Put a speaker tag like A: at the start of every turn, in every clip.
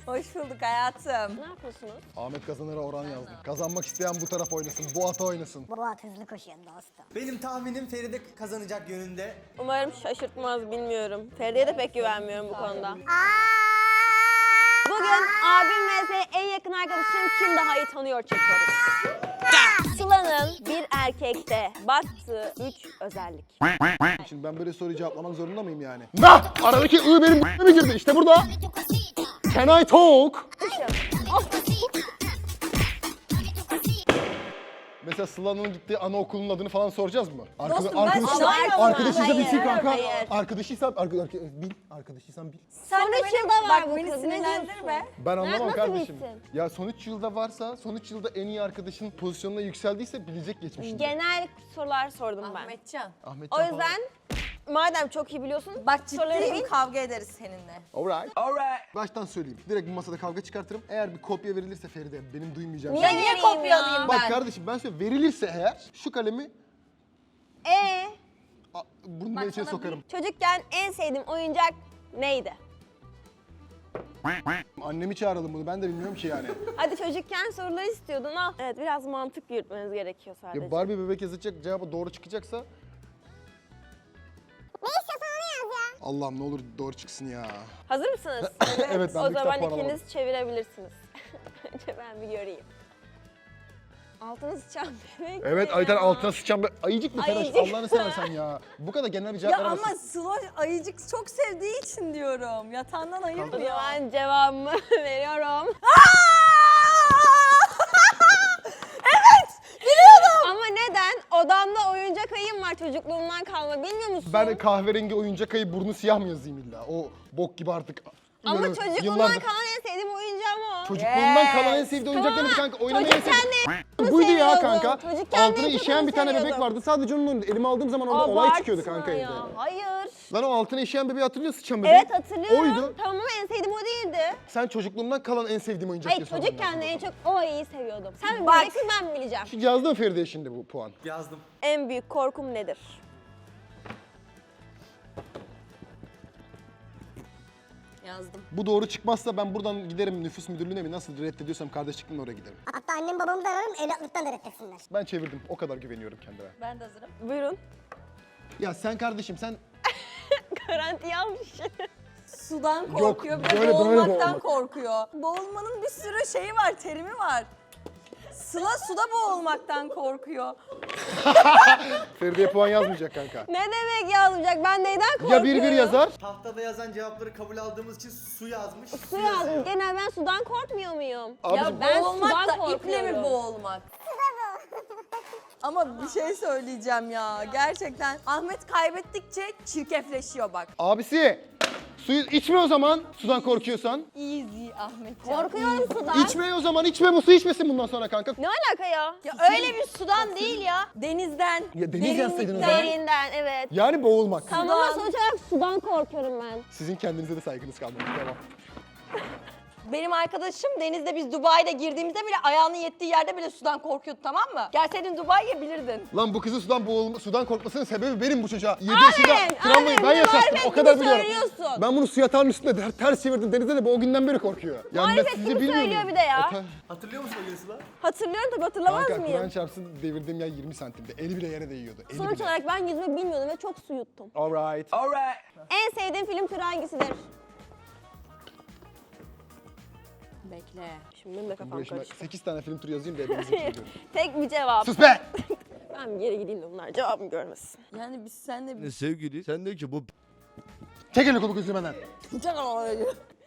A: Hoş bulduk hayatım.
B: Ne yapıyorsunuz?
C: Ahmet kazanır'a oran yazdım. Kazanmak isteyen bu taraf oynasın, bu ata oynasın.
D: Bu at hızlı koşuyor dostum.
E: Benim tahminim Feride kazanacak yönünde.
B: Umarım şaşırtmaz, bilmiyorum. Feride'ye de pek güvenmiyorum bu konuda. Bugün abim vs en yakın arkadaşım kim daha iyi tanıyor çekiyoruz. Sıla'nın bir erkekte baktığı 3 özellik.
C: Şimdi ben böyle soruyu cevaplamak zorunda mıyım yani? Nah! Aradaki I benim mi girdi? İşte burada. Can I talk? Mesela Sıla'nın gittiği anaokulunun adını falan soracağız mı?
A: Dostum, ben
C: arkadaşıysa
B: Hayır,
C: bilsin kanka.
B: hayır.
C: Arkadaşıysan bil.
A: Sen
B: Son
A: de
B: 3
A: beni,
B: yılda var
A: bak
B: bu
A: beni
B: kız, ne
A: sinirlendirme.
C: Ben anlamam
B: Nasıl
C: kardeşim.
B: bilsin?
C: Ya son 3 yılda varsa, son 3 yılda en iyi arkadaşın pozisyonuna yükseldiyse bilecek geçmişini.
B: Genel sorular sordum ben.
A: Ahmetcan.
C: Ahmet
B: O
C: Can
B: yüzden madem çok iyi biliyorsun,
A: Bak
B: soruları
A: ciddiyim,
B: bil.
A: kavga ederiz seninle.
C: Alright. Baştan söyleyeyim. Direkt bu masada kavga çıkartırım. Eğer bir kopya verilirse Feride benim duymayacağım.
B: Niye
C: şey.
A: Niye
B: vereyim
A: kopyalayayım
B: ya?
C: Bak
A: ben?
C: kardeşim ben söyleyeyim. Verilirse eğer şu kalemi burnuma içine sokarım.
B: Çocukken en sevdiğim oyuncak neydi?
C: Annemi çağıralım bunu. Ben de bilmiyorum ki yani.
B: Hadi çocukken soruları istiyordun al. Evet, biraz mantık yürütmeniz gerekiyor sadece.
C: Ya Barbie bebek yazacak cevabı doğru çıkacaksa.
D: Ne istiyorsan onu yaz ya.
C: Allah'ım ne olur doğru çıksın ya.
B: Hazır mısınız?
C: Evet, ben
B: O
C: bir
B: zaman
C: kitap puanı
B: ikiniz çevirebilirsiniz. Önce ben bir göreyim. Altını sıçan bebek.
C: Evet
B: ne
C: Ayten
B: ya?
C: altına sıçan bir ayıcık mı Feraş?
B: Ayıcık.
C: Allah'ını seversen ya. Bu kadar genel bir cevap
A: Ya
C: veremezsin.
A: ama Sıla ayıcık çok sevdiği için diyorum. Yatağından
B: O
A: ayırmıyor.
B: zaman cevabımı veriyorum.
A: Evet! Biliyordum!
B: Ama neden? Odamda oyuncak ayım var çocukluğumdan kalma, bilmiyor musun?
C: Ben kahverengi oyuncak ayı burnu siyah mı yazayım illa? O bok gibi artık.
B: Ama
C: Böyle
B: çocukluğumdan
C: yıllardır-
B: kalan en sevdiğim oyuncağım o.
C: Çocukluğundan kalan en
A: Yes.
C: sevdiği oyuncak
B: Tamam.
C: neydi kanka? Oynamayı en
B: Çocukken
C: sevdiği. Buydu ya
B: seviyordum.
C: kanka.
B: Çocukken
C: Altına
B: en çok
C: işeyen
B: onu
C: bir tane bebek
B: seviyordum.
C: vardı. Sadece onun oynadı. Elime aldığım zaman orada olay çıkıyordu
B: Abartma
C: kanka
B: ya.
C: evde.
B: Hayır.
C: Lan o altına işeyen bebeği hatırlıyor musun sıçan bebeği?
B: Evet, hatırlıyorum.
C: Oydu.
B: Tamam ama en sevdiğim o değildi.
C: Sen çocukluğumdan kalan en sevdiğim oyuncak
B: Hayır,
C: diye sordun
B: çocukken
C: bana.
B: de en çok o ayıyı seviyordum. Sen mi
A: Bak.
B: bileceksin, ben mi bileceğim?
C: Şu yazdı mı Feride'ye şimdi bu puan?
E: Yazdım.
B: En büyük korkum nedir?
A: Yazdım.
C: Bu doğru çıkmazsa ben buradan giderim nüfus müdürlüğüne mi nasıl reddediyorsam kardeşlikle oraya giderim.
D: Hatta annem babamı da ararım evlatlıktan da reddetsinler.
C: Ben çevirdim. O kadar güveniyorum kendime.
A: Ben de hazırım.
B: Buyurun.
C: Ya sen kardeşim sen
B: Garantiye almış.
A: Sudan korkuyor, bir de
C: böyle
A: boğulmaktan
C: boğulmak.
A: korkuyor. Boğulmanın bir sürü şeyi var, terimi var. Sıla suda boğulmaktan korkuyor.
C: Feride'ye puan yazmayacak kanka.
B: Ne demek yazmayacak? Ben neyden korkuyorum?
C: Ya 1-1 yazar.
E: Tahtada yazan cevapları kabul aldığımız için su yazmış.
B: Su yazdım. Genel ben sudan korkmuyor muyum?
C: Abicim,
A: Ya
B: ben
A: boğulmak
B: sudan
A: da iple mi
B: korkuyorum.
A: boğulmak? Ama bir şey söyleyeceğim ya. Gerçekten Ahmet kaybettikçe çirkefleşiyor bak.
C: Abisi suyu içme o zaman sudan korkuyorsan.
A: Easy Ahmetcan.
B: Korkuyorum sudan.
C: İçme o zaman içme bu su içmesin bundan sonra kanka.
B: Ne alaka ya?
A: Ya öyle bir sudan değil ya. Denizden.
C: Ya deniz yazsaydın o zaman.
B: Derinden, evet.
C: Yani boğulmak.
B: Tamam ama sonuç olarak sudan korkuyorum ben.
C: Sizin kendinize de saygınız kalmadı. Tamam.
A: Benim arkadaşım denizde biz Dubai'de girdiğimizde bile ayağının yettiği yerde bile sudan korkuyordu, tamam mı? Gelseydin Dubai'ye bilirdin.
C: Lan bu kızın sudan korkmasının sebebi benim bu çocuğa. 7 yaşında travmayı ben
B: bize
C: yaşattım.
B: marifet
C: O kadar
B: gibi
C: biliyorum.
B: söylüyorsun.
C: Ben bunu su yatağının üstünde ters çevirdim denizde de bu o günden beri korkuyor. Yani ben
B: Marifet
C: sizi
B: gibi
C: bilmiyorum.
B: söylüyor bir de ya.
E: Hatırlıyor musun o gün Sıla?
B: Hatırlıyorum tabii, hatırlamaz
C: Kanka Kur'an
B: mıyım?
C: çarpsın devirdiğim yer 20 santimde. Eli bile yere değiyordu. Eli
B: Sonuç
C: bile.
B: olarak ben yüzme bilmiyordum ve çok su yuttum.
C: Alright.
B: En sevdiğin film türü hangisidir?
A: Bekle.
B: Şimdi benim de kafam
C: Buraya şimdi
B: karıştı.
C: 8 tane film turu yazayım da hepinizi bitiriyorum.
B: Tek bir cevap.
C: Sus be!
B: Ben bir yere gideyim de bunlar cevabımı görmesin.
A: Yani biz seninle bir...
F: Sevgili sen de ki bu
C: Çek elini kolu gözünü benden.
A: Canım.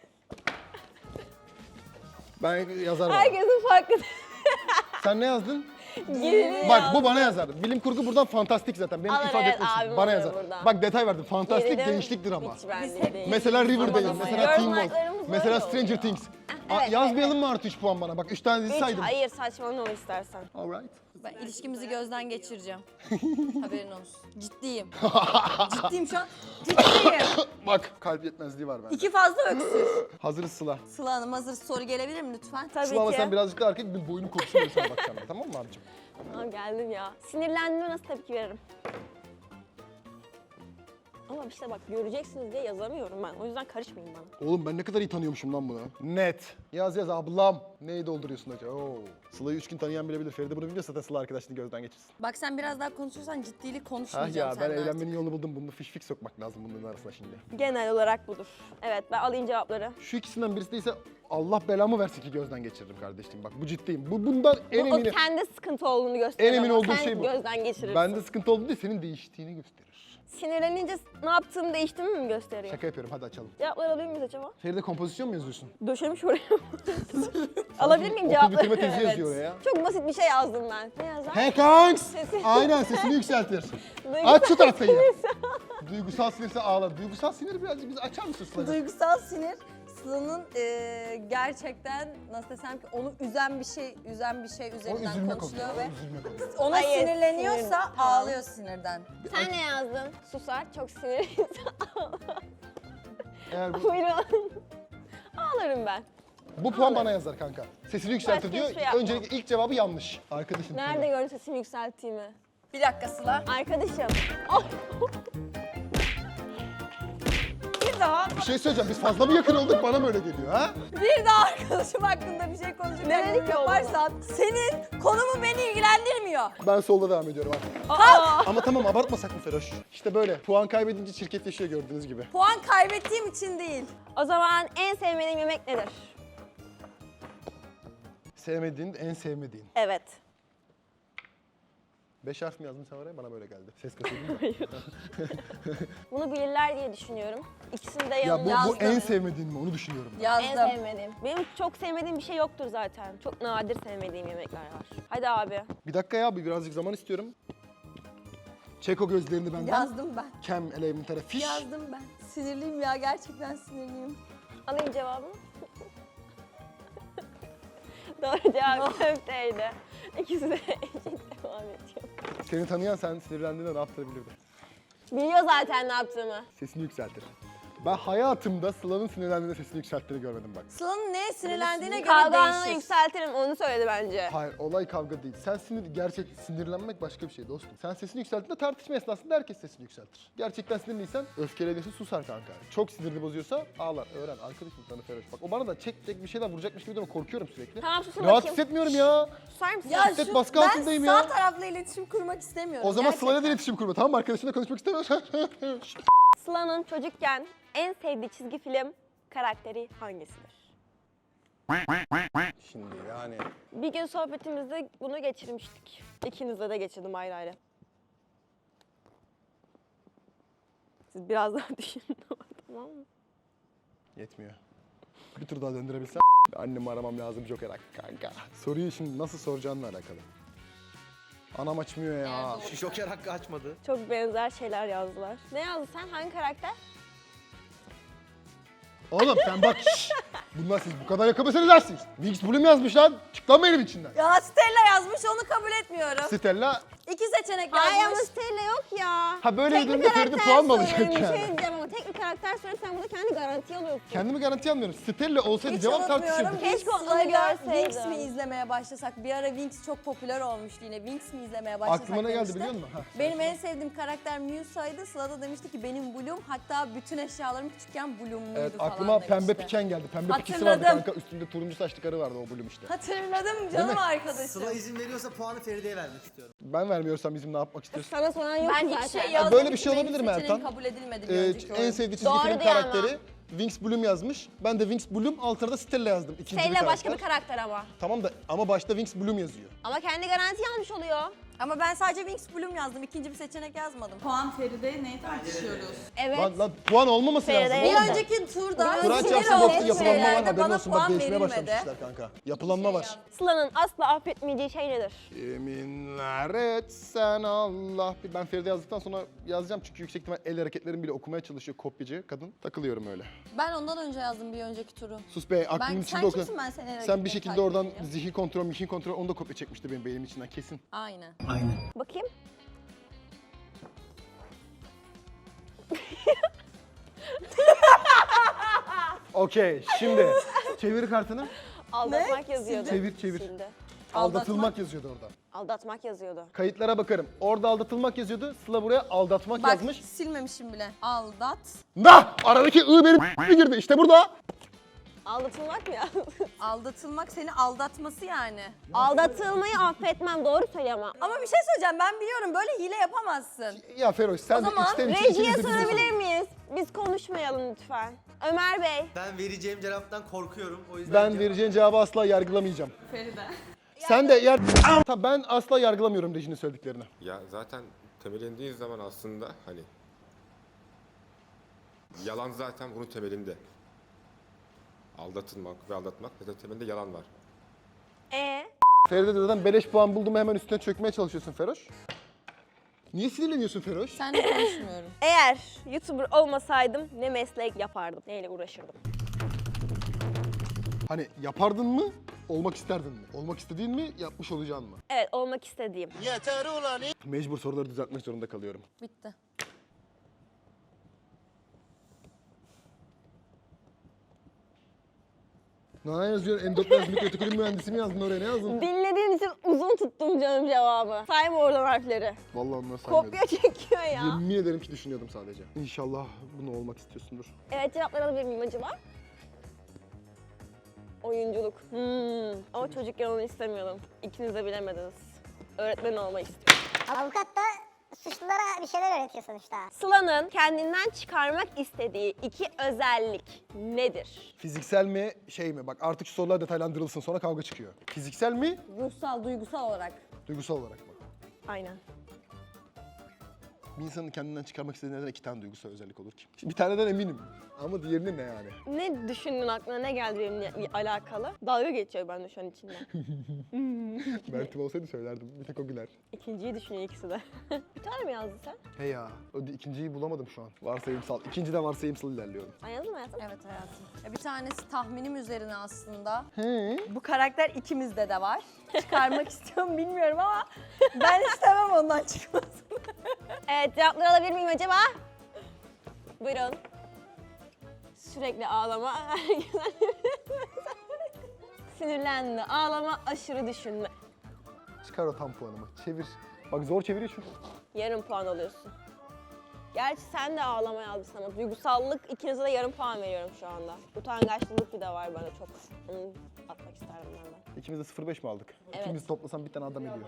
C: Ben yazarım.
B: Herkesin farklı.
C: Sen ne yazdın?
B: Gerini
C: Bak
B: yazdım.
C: bu bana yazar. Bilim kurgu buradan fantastik zaten. Benim
B: Alır,
C: ifade
B: evet,
C: etmek için.
B: abim
C: Bana
B: alır
C: yazar.
B: buradan.
C: Bak detay verdim. Fantastik
B: Gerilim
C: gençlik drama.
B: hiç bende
A: hep-
B: değil.
C: Mesela Riverdale,
B: Aman
C: mesela
B: aman.
C: Teen Wolf,
B: Yorumlarlarımız
C: mesela
B: böyle
C: Stranger
B: oluyor.
C: Things.
B: Evet,
C: Yazmayalım mı artı 3 puan bana? Bak 3 tane dizi
B: Hiç,
C: saydım.
B: hayır, saçma ne olur istersen.
C: Alright.
A: Ben ilişkimizi gözden geçireceğim. Haberin olsun. Ciddiyim. Ciddiyim şu an. Ciddiyim.
C: Bak kalp yetmezliği var bende.
A: İki fazla öksür.
C: Hazırız Sıla.
A: Sıla Hanım hazır, soru gelebilir mi lütfen?
B: Tabii
C: Sıla ama
B: ki.
C: sen birazcık da erkek bir boyunun kokusunu sana bakacağım. Tamam mı abicim?
B: Tamam, geldim ya. Sinirlendiğimde nasıl tepki veririm? Ama işte bak göreceksiniz diye yazamıyorum ben. O yüzden karışmayın bana.
C: Oğlum ben ne kadar iyi tanıyormuşum lan bunu. Net. Yaz ablam. Neyi dolduruyorsun acaba? Oo. Sıla'yı 3 gün tanıyan bilebilir. Feride bunu biliyorsa da Sıla arkadaşını gözden geçirsin.
A: Bak sen biraz daha konuşursan ciddilik
C: Ah
A: konuşmayacağım
C: ya ben
A: senden artık.
C: eğlenmenin yolunu buldum. Bunu fiş fik sokmak lazım bunların arasına şimdi.
B: Genel olarak budur. Evet ben alayım cevapları.
C: Şu ikisinden birisi değilse Allah belamı versin ki gözden geçiririm kardeşim. Bak bu ciddiyim. Bundan en
B: O
C: eminim.
B: kendi sıkıntı olduğunu gösterir.
C: En emin
B: ama
C: olduğum
B: sen
C: şey bu.
B: gözden geçirirsin.
C: Bende sıkıntı oldu değil, senin değiştiğini gösterir.
B: Sinirlenince ne yaptığımı değiştiğimi mi gösteriyor?
C: Şaka yapıyorum, hadi açalım.
B: Cevapları alabilir miyiz acaba?
C: Feride kompozisyon mu yazıyorsun?
B: Döşemiş oraya. Alabilir miyim cevapları?
C: Okul bitirme tezi yazıyor oraya.
B: Çok basit bir şey yazdım ben. Ne yazar?
C: Hey kanks!
B: Sesi-
C: Aynen sesini yükseltir.
B: Duygusal
C: Aç şu tahtayı. Duygusal sinirse ağla. Duygusal sinir birazcık bizi açar mısın Sıla'cığım?
A: Duygusal sinir Sıla'nın gerçekten nasıl desem ki onu üzen bir şey
C: O
A: üzerinden
C: üzülme
A: konuşuluyor
C: konusu.
A: ve
C: O üzülme konusu.
A: ona
B: Hayır,
A: sinirleniyorsa
B: sinir. Tamam.
A: ağlıyor sinirden.
B: Sen ne yazdın? Susar, çok sinirliyse
C: Eğer bu,
B: buyurun. Ağlarım ben.
C: bu puan bana yazar kanka. Sesini yükseltir
B: Başka
C: diyor.
B: hiçbir şey yapmam.
C: Öncelikle ilk cevabı yanlış. Arkadaşın.
B: Nerede gördün sesimi yükselttiğimi?
A: Bir dakika Sıla.
B: Arkadaşım. Oh!
A: Bir daha.
C: Bir şey söyleyeceğim. Biz fazla mı yakın olduk? Bana mı öyle geliyor ha?
A: Bir daha arkadaşım hakkında bir şey
B: Ne
A: konuşurken
B: dedik
A: yorum
B: ki oğlum?
A: yaparsan senin konumu beni ilgilendirmiyor.
C: Ben solda devam ediyorum artık.
B: Aa!
C: Ama tamam abartmasak mı Feroş? İşte böyle. Puan kaybedince çirkefleşiyor gördüğünüz gibi.
A: Puan kaybettiğim için değil.
B: O zaman en sevmediğim yemek nedir?
C: Sevmediğin, en sevmediğin.
B: Evet.
C: 5 harf mi yazdın sen oraya? Bana böyle geldi. Ses kasıyordun da.
B: Bunu bilirler diye düşünüyorum. İkisini de
C: Ya
B: yanımda
C: bu
B: yazdım.
C: en sevmediğin mi? Onu düşünüyorum ben.
B: En
A: Yazdım.
B: sevmediğim. Benim çok sevmediğim bir şey yoktur zaten. Çok nadir sevmediğim yemekler var. Hadi abi.
C: Bir dakika ya, birazcık zaman istiyorum. Çek o gözlerini benden.
A: Yazdım ben.
C: Kem elementara fiş.
A: Yazdım ben. Sinirliyim ya, gerçekten sinirliyim.
B: Alayım cevabını. Doğru cevap köfteydi. İkisi de eşit devam ediyor.
C: Seni tanıyan sen sinirlendiğinde ne yaptırabilirdi?
B: Biliyor zaten ne yaptığımı.
C: Sesini yükseltir. Ben hayatımda Sıla'nın sinirlendiğinde sesini yükselttiğini görmedim bak.
A: Sıla'nın neye sinirlendiğine göre
B: Kavga anını
A: değişir.
B: yükseltirim onu söyledi bence.
C: Hayır, olay kavga değil. Sen gerçek sinirlenmek başka bir şey dostum. Sen sesini yükselttiğinde tartışma esnasında herkes sesini yükseltir. Gerçekten sinirliysen öfkeleniyorsa susar kanka. Çok sinirini bozuyorsa ağlar. Öğren. Arkadaşım tanı Feroş. Bak o bana da çek bir şeyler vuracakmış gibi de korkuyorum sürekli.
B: Tamam susun
C: Rahat
B: bakayım.
C: hissetmiyorum ya.
B: Susar mısın?
A: Ya
C: Şiddet baskı altındayım
A: ben
C: ya.
A: sağ tarafla iletişim kurmak istemiyorum.
C: O zaman
A: gerçekten.
C: Sıla'yla da iletişim kurma, tamam mı? Arkadaşınla konuşmak istemiyorsan.
B: Sıla'nın çocukken en sevdiği çizgi film karakteri hangisidir?
C: Şimdi yani.
B: Bir gün sohbetimizde bunu geçirmiştik. İkinizle de geçirdim ayrı ayrı. Siz biraz daha düşünün ama tamam mı?
C: Yetmiyor. Bir tur daha döndürebilsem. Annemi aramam lazım Joker hakkı kanka. Soruyu şimdi nasıl soracağınla alakalı. Anam açmıyor ya.
E: Şu Joker hakkı açmadı.
B: Çok benzer şeyler yazdılar. Ne yazdın sen? Hangi karakter?
C: Oğlum sen bak şşş. Bunlar siz bu kadar yakamasını dersiniz. Wings Bloom yazmış lan. Çık lan benim içinden.
A: Ya Stella yazmış, onu kabul etmiyorum.
C: Stella.
A: İki seçenek
B: Ay ama
A: yazmış.
B: Stella yok ya.
C: Ha böyle
B: Tek bir
C: dediğinde Ferdi
B: karakter
C: puan mı alacak
B: söyleyeyim,
C: yani?
B: Bir şey diyeceğim ama tek bir karakter söyle sen burada kendi garanti alıyorsun.
C: Kendimi garanti almıyorum. Stella olsaydı
A: Hiç
C: cevap
A: unutmuyorum.
C: tartışırdık.
B: Keşke onu
A: Sıla'yla
B: görseydim.
A: Winx mi izlemeye başlasak? Bir ara Winx çok popüler olmuştu yine. Winx mi izlemeye başlasak
C: Aklıma ne geldi
A: demişti.
C: biliyor musun? Ha,
A: Benim en sevdiğim karakter Musa'ydı. Sıla da demişti ki benim Bloom. Hatta bütün eşyalarım küçükken Bloom'luydu
C: Evet
A: falan
C: aklıma
A: demişti.
C: pembe piken geldi. Pembe pikisi vardı
A: Hatırladım.
C: kanka. Üstünde turuncu saçlı karı vardı o Bloom işte.
A: Hatırladım canım arkadaşım.
E: Sıla izin veriyorsa puanı Feride'ye vermek istiyorum.
C: Ben vermiyorsam bizim ne yapmak istiyorsun?
B: Sana soran yok
A: Ben
B: zaten.
A: hiç şey
C: Ya
A: yazmadım
C: böyle bir
A: ki,
C: şey
A: benim
C: olabilir mi
A: seçeneğim
C: Ertan?
A: kabul edilmedi bir önceki
C: En
A: oyun.
C: sevdiği çizgi
B: Doğru
C: film
B: diyor ama.
C: karakteri Wings Bloom yazmış. Ben de Wings Bloom altına da Stella yazdım. İkinci bir
B: Stella
C: karakter.
B: başka bir karakter ama.
C: Tamam da ama başta Wings Bloom yazıyor.
B: Ama kendi garanti almış oluyor.
A: Ama ben sadece Winx Bloom yazdım. İkinci bir seçenek yazmadım.
F: Puan Feride neyi tartışıyoruz?
B: Evet.
C: Lan puan olmaması
B: Feride
C: lazım.
B: değil
C: oğlum.
A: Bir önceki turda
C: Kuraç
A: sinir
C: yapsın yoksa
A: olduğum
C: yapılanma var
A: şeylerde
C: haberin
A: bana
C: olsun. Bak
A: puan
C: değişmeye
A: verilmedi.
C: başlamış işler kanka. Yapılanma var.
B: Sıla'nın asla affetmeyeceği şey nedir?
C: Yeminler etsen Allah. Ben Feride yazdıktan sonra yazacağım çünkü yüksek ihtimal el hareketlerim bile okumaya çalışıyor kopyacı kadın. Takılıyorum öyle.
A: Ben ondan önce yazdım bir önceki turu.
C: Sus be aklımın
A: Sen
C: içinde o kadar.
A: kimsin, ben seni el
C: Sen bir
A: hareketleri
C: şekilde
A: takip
C: oradan
A: edeyim ya?
C: zihin kontrol onu da kopya çekmişti benim beynimin içinden kesin.
A: Aynen.
B: Bakayım.
C: Okey şimdi çevir kartını.
B: Aldatmak yazıyordu.
C: Çevir.
B: Sildi.
C: Aldatılmak yazıyordu orada.
B: Aldatmak yazıyordu.
C: Kayıtlara bakarım. Orada aldatılmak yazıyordu. Sıla buraya aldatmak
A: Bak
C: yazmış.
A: silmemişim bile. Aldat.
C: Nah! Aradaki I benim girdi. İşte burada.
B: Aldatılmak mı ya?
A: Aldatılmak seni aldatması yani.
B: Aldatılmayı affetmem, doğru söylüyor ama.
A: Ama bir şey söyleyeceğim, ben biliyorum böyle hile yapamazsın.
C: Ya Feroş sen de
A: zaman
C: içten içe
B: Rejiye
C: ikiniz de biliyorsunuz.
B: sorabilir miyiz? Biz konuşmayalım lütfen. Ömer Bey.
E: Ben vereceğim cevaptan korkuyorum. O yüzden
C: Ben vereceğin cevabı asla yargılamayacağım.
F: Feride.
C: Sen de Tamam, ben asla yargılamıyorum Reji'nin söylediklerini.
G: Ya zaten temelindiği zaman aslında hani yalan zaten bunun temelinde. Aldatılmak ve aldatmak zaten temelinde yalan var.
C: Feride de zaten beleş puan buldum hemen üstüne çökmeye çalışıyorsun Feroş. Niye sinirleniyorsun Feroş?
A: Seninle konuşmuyorum.
B: Eğer YouTuber olmasaydım ne meslek yapardım? Neyle uğraşırdım?
C: Hani yapardın mı, olmak isterdin mi? Olmak istediğin mi, yapmış olacağın mı?
B: Evet, olmak istediğim.
C: Mecbur soruları düzeltmek zorunda kalıyorum.
A: Bitti.
C: Ne yazıyorsun? Endoplazmik retikulum mühendisi mi yazdın oraya? Ne yazdın?
B: Dinlediğin için uzun tuttum canım cevabı. Sayma oradan harfleri.
C: Vallahi onları saymıyorum.
B: Kopya çekiyor ya.
C: Yemin ederim ki düşünüyordum sadece. İnşallah bunu olmak istiyorsundur.
B: Evet, cevapları alabilir miyim acaba? Oyunculuk. Ama çocukken onu istemiyordum. İkiniz de bilemediniz. Öğretmen olmayı istiyorum.
D: Avukat da suçlulara bir şeyler öğretiyor sonuçta.
B: Sıla'nın kendinden çıkarmak istediği 2 özellik nedir?
C: Fiziksel mi, şey mi? Bak artık şu sorular detaylandırılsın, sonra kavga çıkıyor. Fiziksel mi,
A: Ruhsal, duygusal olarak.
C: duygusal olarak mı?
B: Aynen.
C: Bir insanın kendinden çıkarmak istediği neden 2 tane duygusal özellik olur ki? Şimdi bir taneden eminim. Ama diğerini ne yani?
B: Ne düşündün, aklına ne geldi benimle alakalı? Dalga geçiyor bende şu an içinden.
C: Mert'im olsaydı söylerdim. Bir tek o güler.
B: İkinciyi düşünüyor ikisi de. Bir tane mi yazdın sen?
C: He ya, ikinciyi bulamadım şu an. Varsayımsal. İkinciden varsayımsal ilerliyorum.
B: Sen yazdın mı hayatım?
A: Evet hayatım. Bir tanesi tahminim üzerine aslında.
C: He.
A: Bu karakter ikimizde de var. Çıkarmak istiyorum bilmiyorum ama ben istemem ondan çıkmasını.
B: Evet, cevapları alabilir miyim acaba? Buyurun. Sürekli ağlama. Sinirlendi. Ağlama, aşırı düşünme.
C: Çıkar o tam puanımı. Çevir. Bak zor çeviriyor çünkü.
B: Yarım puan alıyorsun. Gerçi sen de ağlama yazdı sana. Duygusallık, ikinize de yarım puan veriyorum şu anda. Utangaçlılık bir de var bana çok. Onu atmak isterdim ben de.
C: İkimiz de 0,5 mi aldık?
B: Evet.
C: İkimiz toplasan bir tane adam ediyor.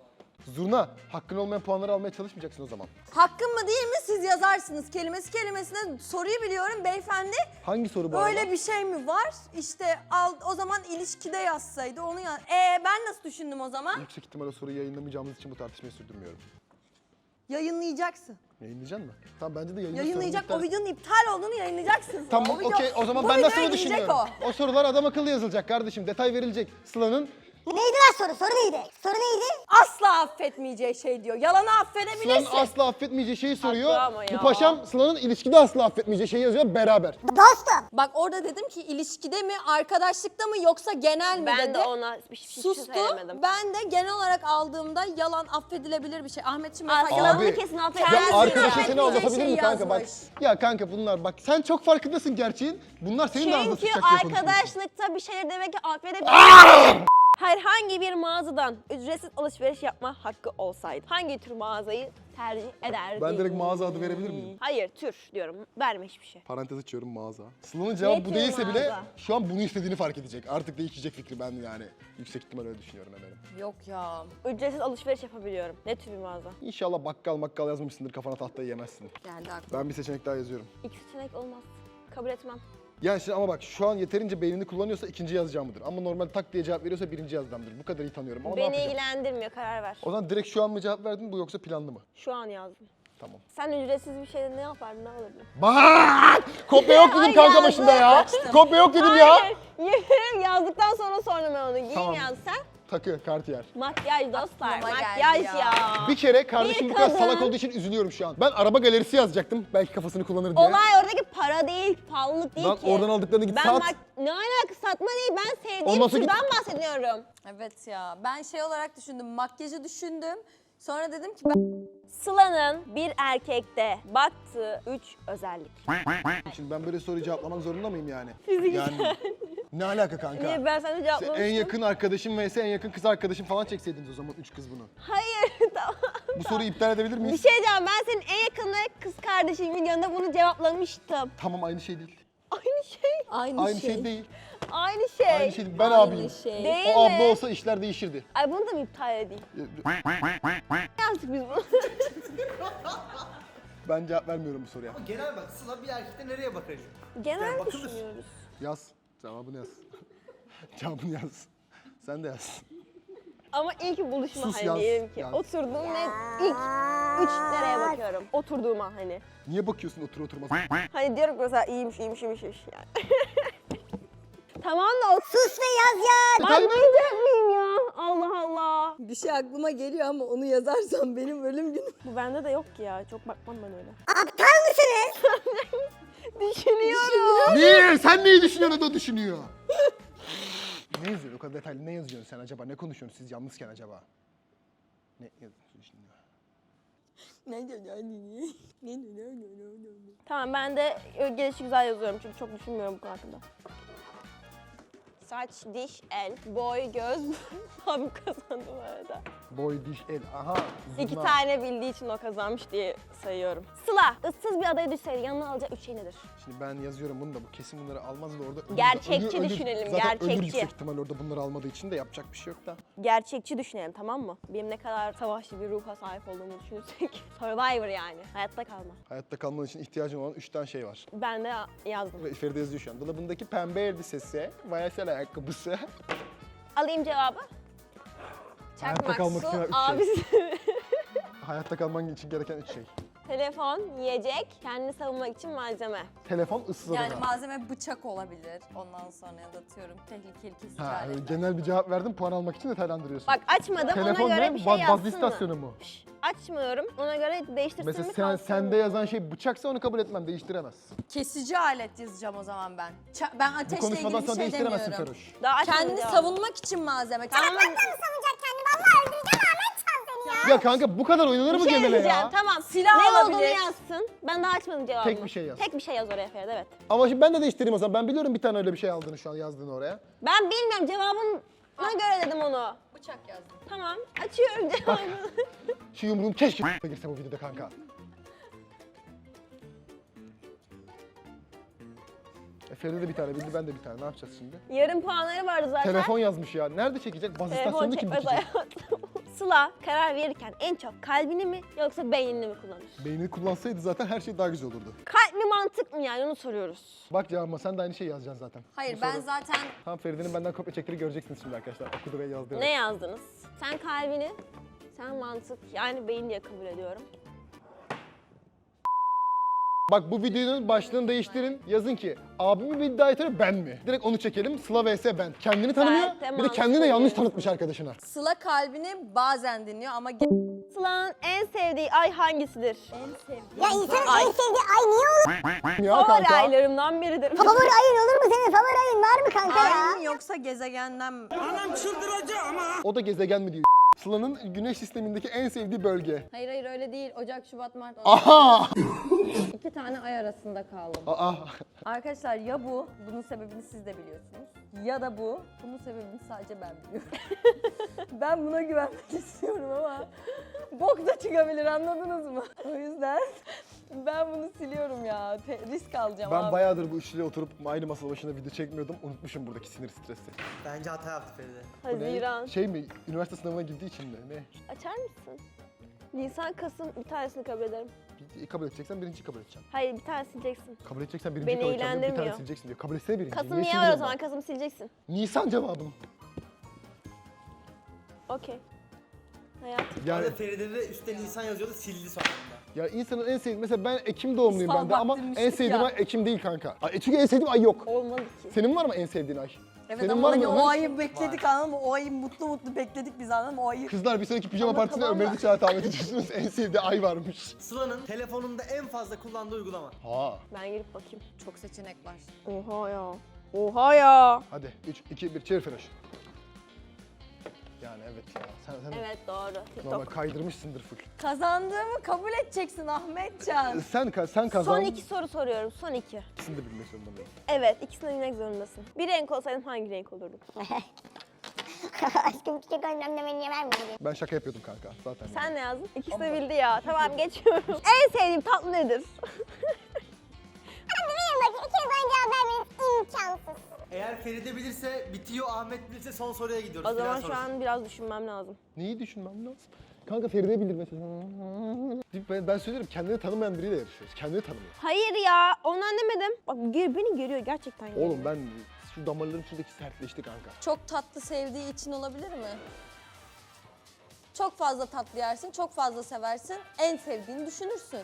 C: Zurna, hakkın olmayan puanları almaya çalışmayacaksın o zaman.
A: Hakkım mı değil mi siz yazarsınız. Kelimesi kelimesine soruyu biliyorum beyefendi.
C: Hangi soru bu
A: Böyle
C: arada?
A: bir şey mi var? İşte o zaman ilişkide yazsaydı onu yaz. Ben nasıl düşündüm o zaman?
C: Yüksek ihtimalle soruyu yayınlamayacağımız için bu tartışmayı sürdürmüyorum.
A: Yayınlayacaksın.
C: Yayınlayacaksın mı? Tamam bence de yayınla.
A: Yayınlayacak.
C: sorunu
A: O videonun iptal olduğunu yayınlayacaksın.
C: Tamam
A: video-
C: okey, o zaman
A: bu
C: ben
A: videoya
C: nasıl mı
A: girecek
C: düşünüyorum? O sorular adam akıllı yazılacak kardeşim. Detay verilecek. Sıla'nın
D: Neydi lan soru? Soru neydi? Soru neydi?
A: Asla affetmeyeceği şey diyor. Yalanı affedebilirsin.
C: Sıla'nın asla affetmeyeceği şeyi soruyor.
B: ama ya.
C: Bu paşam Sıla'nın ilişkide asla affetmeyeceği şeyi yazıyor beraber.
D: Dostum.
A: Bak orada dedim ki ilişkide mi, arkadaşlıkta mı yoksa genel mi
B: Ben
A: dedi.
B: de ona hiçbir şey
A: Sustu.
B: söylemedim.
A: Ben de genel olarak aldığımda yalan affedilebilir bir şey. Ahmetciğim
B: Aa,
A: mesela
B: yalanını
C: Abi,
B: kesin
C: Ya
B: affedersin.
A: Kendisi
C: arkadaşa
A: affetmeyeceği
C: seni aldatabilir
A: şeyi
C: mi kanka bak.
A: yazmış.
C: Ya kanka bunlar bak sen çok farkındasın gerçeğin. Bunlar senin de ağzına
B: Çünkü
C: sıçacak diye konuşuyorsun.
B: arkadaşlıkta bir şeyler demek ki affedebilirsin. Herhangi bir mağazadan ücretsiz alışveriş yapma hakkı olsaydı hangi tür mağazayı tercih ederdin?
C: Ben direkt mağaza adı verebilir miyim?
B: Hayır, tür diyorum. Verme hiçbir şey.
C: Parantez açıyorum mağaza. Sıla'nın cevabı
B: Ne
C: bu
B: tür
C: değilse bile
B: mağaza?
C: şu an bunu istediğini fark edecek. Artık değişecek fikri ben yani. Yüksek ihtimal öyle düşünüyorum eminim.
A: Yok ya.
B: Ücretsiz alışveriş yapabiliyorum. Ne tür bir mağaza?
C: İnşallah bakkal yazmamışsındır, kafana tahtayı yemezsin.
A: Geldi aklıma.
C: Ben bir seçenek daha yazıyorum.
B: İki seçenek olmaz. Kabul etmem.
C: Yani şimdi ama bak şu an yeterince beynini kullanıyorsa ikinci yazacağımdır. Ama normal tak diye cevap veriyorsa birinci yazacağımdır. Bu kadar iyi tanıyorum ama ne
B: Beni
C: yapacağım?
B: ilgilendirmiyor, karar ver.
C: O zaman direkt şu an mı cevap verdin bu yoksa planlı mı?
B: Şu an yazdım.
C: Tamam.
B: Sen ücretsiz bir şeyde ne yapardın, ne alırdın?
C: Bak! Kopya yok dedim
B: Ay
C: kanka
B: yazdım,
C: başında ya.
A: açtım.
C: Kopya yok dedim ya.
B: Hayır, yemin yazdıktan sonra sordum ben onu. Giyin
C: Tamam.
B: yaz sen.
C: Takı, Cartier.
B: Makyaj dostlar,
A: Aklıma
B: makyaj
A: geldi
B: ya.
C: Bir kere kardeşim
B: Bir
C: bu kadar
B: kadın-
C: salak olduğu için üzülüyorum şu an. Ben araba galerisi yazacaktım. Belki kafasını kullanır diye.
B: Olay oradaki para değil, pahalılık değil
C: Lan
B: ki.
C: oradan aldıklarını git sat.
B: Ne alaka, satma değil, ben sevdiğim
C: Olmasa git-
B: türden bahsediyorum.
A: Evet ya. Ben şey olarak düşündüm. Makyajı düşündüm. Sonra dedim ki
B: Sıla'nın bir erkekte baktığı 3 özellik.
C: Şimdi ben böyle soruyu cevaplamak zorunda mıyım yani?
B: Fiziksel.
C: Yani Ne alaka kanka?
B: Niye ben sana
C: Sen
B: cevaplamıştım?
C: en yakın arkadaşım vs en yakın kız arkadaşım falan çekseydiniz o zaman 3 kız bunu.
B: Hayır tamam.
C: Bu soruyu iptal edebilir
B: Bir
C: miyiz?
B: şey diyeceğim, ben senin en yakın kız kardeşin videonda bunu cevaplamıştım.
C: Tamam aynı şey değil.
B: Aynı şey.
C: Aynı şey değil.
B: Aynı şey.
C: Aynı şey değil. Ben abiyim.
A: şey.
B: Değil
C: O
B: mi?
C: abla olsa işler değişirdi.
B: Ay bunu da mı iptal edeyim? Yaptık biz bunu.
C: Ben cevap vermiyorum bu soruya.
E: Ama genel bak Sıla bir erkekte nereye bakar?
B: Genel
E: Yani bakılır.
B: düşünüyoruz.
C: Yaz. Cevabını yaz. Cevabını yaz. Sen de yaz.
B: Ama ilk buluşma
C: Sus,
B: hani
C: yaz,
B: diyelim ki.
C: yaz.
B: Oturduğum ne ilk 3 nereye bakıyorum? Oturduğuma hani.
C: Niye bakıyorsun otur oturmaz?
B: Hani diyorum ki mesela iyiymiş yani. Tamam da o
D: Sus ve yaz ya.
B: anlayacak mıyım ya? Allah Allah.
A: Bir şey aklıma geliyor ama onu yazarsam benim ölüm günüm.
B: Bu bende de yok ki ya. Çok bakmam ben öyle.
D: Aptal mısınız?
B: Düşünüyorum.
C: Niye? Sen neyi düşünüyorsun o da düşünüyor. Ne yazıyorsun? O kadar detaylı ne yazıyorsun sen acaba? Ne konuşuyorsunuz siz yalnızken acaba? Ne yazıyorsun şimdi?
B: Tamam ben de gelişi güzel yazıyorum çünkü çok düşünmüyorum bu konu hakkında. Saç, diş, el, boy, göz. Abim kazandı bu arada.
C: Boy, diş, el. Aha.
B: İki
C: zurna.
B: tane bildiği için o kazanmış diye sayıyorum. Sıla, ıssız bir adaya düşseydi yanına alacağı 3 şey nedir?
C: Şimdi ben yazıyorum bunu da bu kesin bunları almaz da orada ölür.
B: Gerçekçi düşünelim,
C: Zaten
B: gerçekçi.
C: ölür yüksek ihtimal orada bunları almadığı için de yapacak bir şey yok da.
B: Gerçekçi düşünelim tamam mı? Benim ne kadar savaşçı bir ruha sahip olduğumu düşünürsek. Survivor yani. Hayatta kalma.
C: Hayatta kalman için ihtiyacın olan 3 tane şey var.
B: Ben de yazdım.
C: Ve Feride yazıyor şu an. Dolabındaki pembe elbisesi, vayasel ayakkabısı.
B: Alayım cevabı.
C: Hayatta kalmak için 3 şey.
B: Abisi.
C: Hayatta kalman için gereken 3 şey.
B: Telefon, yiyecek, kendini savunmak için malzeme.
C: Telefon, ıssız
F: Yani
C: adada.
F: malzeme bıçak olabilir. Ondan sonra ya da atıyorum tehlikeli kesici
C: Ha,
F: aletler.
C: genel bir cevap verdim, puan almak için detaylandırıyorsun.
B: Bak açmadım
C: Telefon
B: ona göre
C: ne?
B: bir şey
C: Baz
B: yazsın
C: istasyonu
B: mı?
C: mu?
B: Şş, açmıyorum ona göre değiştirsin
C: Mesela
B: mi
C: sen,
B: kalsın
C: sende
B: mı?
C: yazan şey bıçaksa onu kabul etmem, değiştiremezsin.
F: Kesici alet yazacağım o zaman ben. Ben
C: Bu
F: ateşle
C: konuşmadan
F: ilgili bir
C: sonra
F: şey
C: değiştiremezsin
F: demiyorum.
C: Feroş.
B: Daha açmadım
F: Kendini
B: cevabı.
F: savunmak için malzeme.
B: Tamam.
D: Savunacak kendini. Vallahi öldüreceğim Ahmet Can seni ya.
C: Ya kanka bu kadar oynanır
B: Bir
C: mı
B: şey
C: genele
B: diyeceğim
C: ya?
B: tamam.
F: Silah
B: ne
F: olabilir.
B: olduğunu yazsın. Ben daha açmadım cevabını.
C: Tek bir şey yaz.
B: Tek bir şey yaz oraya Feride evet.
C: Ama şimdi ben de değiştireyim o zaman. Ben biliyorum bir tane öyle bir şey aldığını şu an yazdığını oraya.
B: Ben bilmiyorum cevabına göre dedim onu.
F: Bıçak yazdım.
B: Tamam açıyorum cevabını.
C: Şu yumruğum keşke girse bu videoda kanka. Feride de bir tane bildi, ben de bir tane. Ne yapacağız şimdi?
B: Yarım puanları vardı zaten.
C: Telefon yazmış ya. Nerede çekecek? Baz
B: Telefon
C: istasyonunu kim
B: çekmez
C: dikecek?
B: hayatım. Sıla karar verirken en çok kalbini mi yoksa beynini mi kullanır?
C: Beynini kullansaydı zaten her şey daha güzel olurdu.
B: Kalp mi mantık mı yani onu soruyoruz.
C: Bak cevabıma sen de aynı şeyi yazacaksın zaten.
F: Hayır
C: Bu
F: ben
C: soru-
F: zaten
C: Tamam Feride'nin benden kopya çektiğini göreceksiniz şimdi arkadaşlar. Okudu ve yazdı.
B: Ne yazdınız? Sen kalbini, sen mantık yani beyin diye kabul ediyorum.
C: Bak bu videonun başlığını değiştirin. Yazın ki abimi bir iddia ediyor ben mi? Direkt onu çekelim. Sıla vs ben. Kendini tanımıyor.
B: Kalpte
C: Bir de kendini de
B: mantık
C: yanlış
B: değil.
C: tanıtmış arkadaşına.
F: Sıla kalbini bazen dinliyor ama
B: Sıla'nın en sevdiği ay hangisidir?
D: Ya insanın en sevdiği ay niye olur?
C: Ya
B: Favori
C: kanka.
B: aylarımdan biridir.
D: Favori ayın olur mu senin? Favori ayın var mı kanka ya?
F: ay mı yoksa gezegenden mi?
C: O da gezegen mi diyor. Sıla'nın güneş sistemindeki en sevdiği bölge.
A: Hayır öyle değil. Ocak, Şubat, Mart.
C: Aha!
A: 2 tane ay arasında kaldım.
C: Aa!
A: Arkadaşlar ya bu, bunun sebebini siz de biliyorsunuz. Ya da bu, bunun sebebini sadece ben biliyorum. Ben buna güvenmek istiyorum ama bok da çıkabilir anladınız mı? O yüzden ben bunu siliyorum ya. Risk alacağım
C: Ben
A: abi.
C: bayağıdır bu üçlüyle oturup aynı masa başında video çekmiyordum. Unutmuşum buradaki sinir stresi.
E: bence hata yaptı Feride.
C: Bu ne?
B: Haziran.
C: Şey mi? Üniversite sınavına girdiği için mi? Ne?
B: Açar mısın? Nisan, Kasım bir tanesini kabul ederim.
C: Kabul edeceksen birinciyi kabul edeceğim.
B: Hayır bir tane sileceksin.
C: Kabul edeceksen birinciyi
B: Beni
C: kabul edeceğim. Bir tane
B: ilgilendirmiyor.
C: sileceksin diyor. Kabul etsene birinciyi.
B: Kasım
C: Niye
B: niye var o
C: siliyorsun
B: zaman?
C: ben?
B: Kasım sileceksin.
C: Nisan cevabım.
B: Okey. Hayatım.
C: Yani
E: Orada Feride de üstte Nisan yazıyordu sildi sonunda.
C: ya insanın en sevdiği mesela ben Ekim doğumluyum
F: Fal
C: ben de ama
F: baktırmıştık
C: en sevdiğim
F: ya.
C: ay Ekim değil kanka. Çünkü en sevdiğim ay yok.
B: Olmadı ki.
C: Senin var mı en sevdiğin ay?
F: Evet
C: Senin
F: ama
C: var
F: hani
C: mı
F: o
C: Ömer?
F: ayı bekledik anladın mı? O ayı mutlu bekledik biz anladın mı? O ayı.
C: Kızlar bir sonraki pijama
B: Ama
C: partisine
B: tamam da-
C: Ömer'i çağır davet ediyorsunuz. En sevdiği ay varmış.
E: Sıla'nın telefonunda en fazla kullandığı uygulama.
C: Ha.
B: Ben girip bakayım.
F: Çok seçenek var.
B: Oha ya. Oha ya.
C: Hadi 3, 2, 1 çevir Feroş. Yani evet ya. Sen
B: Evet doğru. TikTok.
C: normal kaydırmışsındır full.
A: Kazandığımı kabul edeceksin Ahmetcan.
C: Sen kazan.
B: Son 2 soru soruyorum. Son 2.
C: İkisini de bilmek zorunda mıyım?
B: Evet, ikisini de bilmek zorundasın. Bir renk olsaydın hangi renk olurdun?
D: Aşkım çiçek önlemlemeni niye vermedin?
C: Ben şaka yapıyordum kanka zaten.
B: Sen ne yazdın? İkisi de bildi ya. Tamam geçiyorum. En sevdiğim tatlı nedir?
D: Hadi bilin bakayım. İkiniz aynı cevap vermeniz imkansız.
E: Eğer Feride bilirse bitiyor, Ahmet bilirse son soruya gidiyoruz.
B: O zaman
E: Final
B: şu
E: sorusu.
B: an biraz düşünmem lazım.
C: Neyi düşünmem lazım? Kanka Feride bilir mesela. Ben söylüyorum kendini tanımayan biriyle yarışıyoruz. Kendini tanımıyor.
B: Hayır ya, ondan demedim. Bak beni görüyor gerçekten. Görüyor.
C: Oğlum ben şu damarlarım şuradaki sertleşti kanka.
A: Çok tatlı sevdiği için olabilir mi? Çok fazla tatlı yersin, çok fazla seversin. En sevdiğini düşünürsün.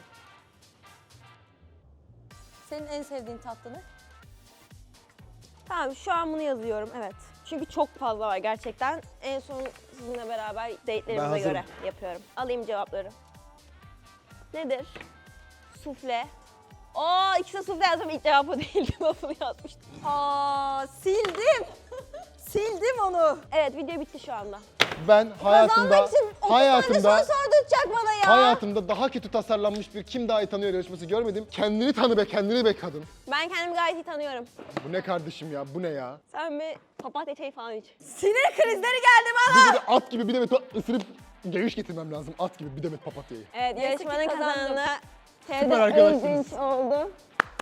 A: Senin en sevdiğin tatlı ne?
B: Tamam, şu an bunu yazıyorum, evet. Çünkü çok fazla var gerçekten. En son sizinle beraber
C: Ben
B: date'lerimize
C: hazırım.
B: göre yapıyorum. Alayım cevapları. Nedir? Sufle. İkisi de sufle yazdım. İlk cevap o değildi. Waffle yazmıştım.
A: Aa, sildim. Sildim onu.
B: Evet, video bitti şu anda.
C: Ben hayatımda
A: Kazanmak için 30 tane soru sorduracak bana ya.
C: hayatımda daha kötü tasarlanmış bir kim daha iyi tanıyor yarışması görmedim. Kendini tanı be, kendini be kadın.
B: Ben kendimi gayet iyi tanıyorum.
C: Bu ne kardeşim ya, bu ne ya?
B: Sen bir papatya çayı falan iç.
A: Sinir krizleri geldi bana.
C: Bir de at gibi bir demet ısırıp geviş getirmem lazım. At gibi bir demet papatyayı.
B: Evet,
A: Neyse ki
B: yarışmanın
A: kazandım.
B: kazananı
C: Süper
B: Feride
C: arkadaşsınız.
B: Özdinç oldu.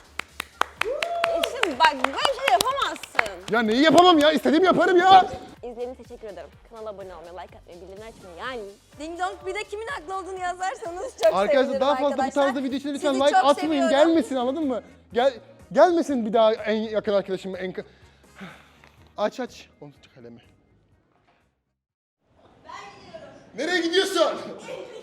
B: Şimdi bak, böyle şey yapamazsın.
C: Ya neyi yapamam ya? İstediğimi yaparım ya.
B: İzlediğiniz için teşekkür ederim. Kanala abone olmayı, like atmayı, bildirimleri açmayı yani.
A: Ding dong, bir de kimin haklı olduğunu yazarsanız çok
C: Arkadaşlar
A: sevinirim
C: daha fazla bu
A: arkadaşlar.
C: tarzda video için lütfen
A: Sizi
C: like
A: çok
C: atmayın.
A: seviyorum.
C: Gelmesin, anladın mı? Gelmesin bir daha en yakın arkadaşım. Aç. Onu kalemi. Ben gidiyorum. Nereye gidiyorsun?